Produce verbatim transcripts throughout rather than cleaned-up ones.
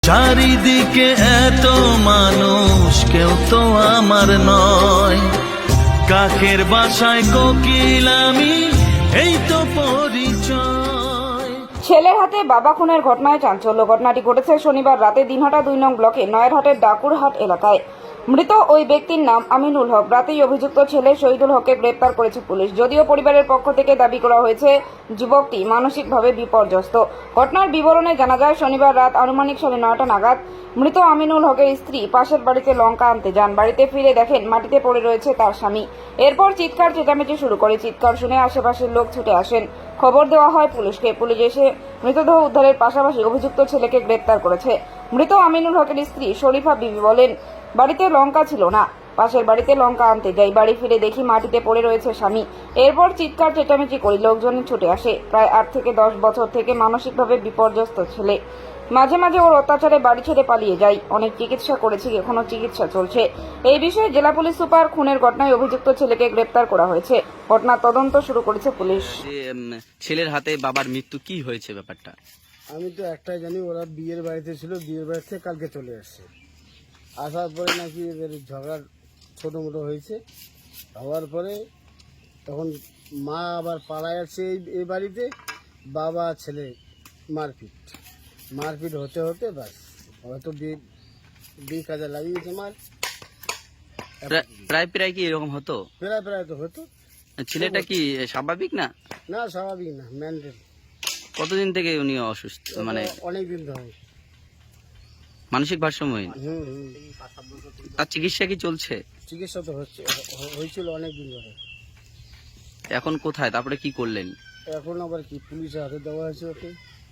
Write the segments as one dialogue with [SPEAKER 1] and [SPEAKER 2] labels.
[SPEAKER 1] চারিদিকে এত মানুষ, কেউ তো আমার নয়। কাকের বাসায় কোকিল আমি, এই তো পরিচয়।
[SPEAKER 2] ছেলের হাতে বাবা খুনের ঘটনায় চাঞ্চল্য। ঘটনাটি ঘটেছে শনিবার রাতে দিনহাটা দুই নং ব্লকে নয়ারহাটের ডাকুরহাট এলাকায়। মৃত ওই ব্যক্তির নাম আমিনুল হক। রাতেই অভিযুক্ত ছেলে শহীদুল হককে গ্রেপ্তার করেছে পুলিশ। যদিও পরিবারের পক্ষ থেকে দাবি করা হয়েছে যুবকটি মানসিকভাবে বিপর্যস্ত। ঘটনার বিবরণে জানা যায়, শনিবার রাত আনুমানিক সাড়ে নয়টা নাগাদ মৃত আমিনুল হকের স্ত্রী পাশের বাড়িতে লঙ্কা আনতে যান। বাড়িতে ফিরে দেখেন মাটিতে পড়ে রয়েছে তার স্বামী। এরপর চিৎকার চেঁচামেচি শুরু করে। চিৎকার শুনে আশেপাশের লোক ছুটে আসেন। খবর দেওয়া হয় পুলিশকে। পুলিশ এসে মৃতদেহ উদ্ধারের পাশাপাশি অভিযুক্ত ছেলেকে গ্রেপ্তার করেছে। মৃত আমিনুল হকের স্ত্রী শরীফা বিবি বলেন, বাড়িতে লঙ্কা ছিল না, পাশের বাড়িতে লঙ্কা আনতে যাই, বাড়ি ফিরে দেখি মাটিতে পড়ে রয়েছে স্বামী। এরপর চিৎকার চেঁচামেচি করে লোকজন ছুটে আসে। প্রায় আট থেকে দশ বছর থেকে মানসিকভাবে বিপর্যস্ত ছেলে। মাঝে মাঝে ওর অত্যাচারে বাড়ি ছেড়ে পালিয়ে যায়। অনেক চিকিৎসা করেছি, এখনো চিকিৎসা চলছে। এই বিষয়ে জেলা পুলিশ সুপার খুনের ঘটনায় অভিযুক্ত ছেলেকে গ্রেপ্তার করা হয়েছে। ঘটনার তদন্ত শুরু করেছে পুলিশ।
[SPEAKER 3] ছেলের হাতে বাবার মৃত্যু কি হয়েছে ব্যাপারটা?
[SPEAKER 4] আমি তো একটাই জানি, ওরা বিয়ের বাড়িতে ছিল, বিয়ের বাড়ি থেকে কালকে চলে আসছে। আসার পরে নাকি এদের ঝগড়া ছোটো মোটো হয়েছে। হওয়ার পরে তখন মা আবার পাড়ায় আছে এই এই বাড়িতে, বাবা ছেলে মারপিট মারপিট হতে হতে বাস হয়তো বিয়ে বিয়ে কাজে লাগিয়েছে মার।
[SPEAKER 3] প্রায় প্রায় কি এরকম হতো?
[SPEAKER 4] প্রায় প্রায় তো হতো।
[SPEAKER 3] ছেলেটা কি স্বাভাবিক না?
[SPEAKER 4] না, স্বাভাবিক না, ম্যান্ডেল।
[SPEAKER 3] কতদিন থেকে উনি অসুস্থ, মানে
[SPEAKER 4] অনেক দিন ধরে
[SPEAKER 3] মানসিক ভারসাম্যহীন?
[SPEAKER 4] হুম হুম
[SPEAKER 3] তার চিকিৎসা কি চলছে?
[SPEAKER 4] চিকিৎসা তো হচ্ছে, হয়েছিল অনেক দিন ধরে।
[SPEAKER 3] এখন কোথায়, তারপরে কি করলেন?
[SPEAKER 4] এখন আবার কি পুলিশের হাতে দেওয়া হয়েছে ওকে।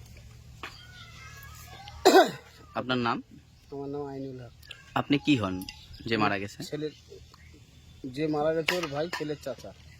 [SPEAKER 3] আপনার নাম?
[SPEAKER 4] আমার নাম আইনুল হক।
[SPEAKER 3] আপনি কি হন যে মারা গেছে?
[SPEAKER 4] ছেলের যে মারা গেছে ওর ভাই, ছেলের চাচা।